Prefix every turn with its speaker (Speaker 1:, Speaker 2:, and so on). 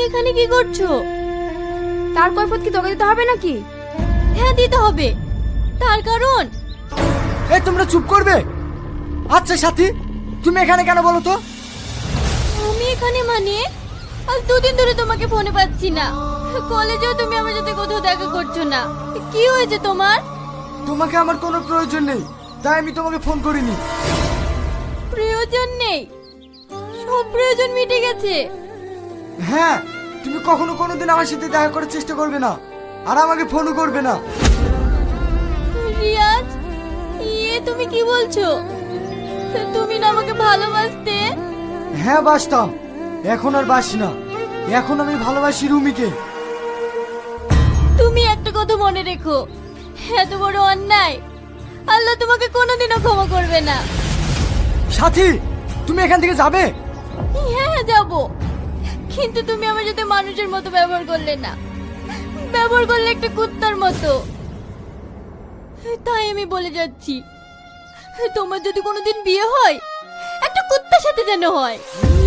Speaker 1: এখানে কি করছো?
Speaker 2: তার কৈফিয়ত কি তোকে দিতে হবে নাকি?
Speaker 1: হ্যাঁ দিতে হবে, তার কারণ
Speaker 3: এই তোমরা চুপ করবে? আচ্ছা সাথী, তুমি এখানে কেন বলো তো?
Speaker 1: আমি এখানে মানে আজ দুদিন ধরে তোমাকে ফোনে পাচ্ছি না, কলেজেও তুমি আমার সাথে কোথাও দেখা করছো না। কি হয়েছে তোমার?
Speaker 3: তোমাকে আমার কোনো প্রয়োজন নেই, তাই আমি তোমাকে ফোন করিনি।
Speaker 1: প্রয়োজন নেই? সব প্রয়োজন মিটে গেছে।
Speaker 3: হ্যাঁ, তুমি কখনো কোনোদিন আমার সাথে দেখা করার চেষ্টা করবে না, আর আমাকে ফোনও করবে না।
Speaker 1: রিয়াজ, তুমি কি বলছো? তুমি না আমাকে ভালোবাসতে?
Speaker 3: হ্যাঁ বাসতাম, এখন আর বাসি না। এখন আমি ভালোবাসি রুমিকে।
Speaker 1: তুমি একটা কথা মনে রেখো, এত বড় অন্যায় আল্লাহ তোমাকে কোনোদিনও ক্ষমা করবে না।
Speaker 3: সাথী, তুমি এখান থেকে যাবে?
Speaker 1: হ্যাঁ যাবো, কিন্তু তুমি আমার সাথে মানুষের মতো ব্যবহার করলে না, ব্যবহার করলে একটা কুত্তার মতো। তাই আমি বলে যাচ্ছি, তোমার যদি কোনোদিন বিয়ে হয় একটা কুত্তার সাথে যেন হয়।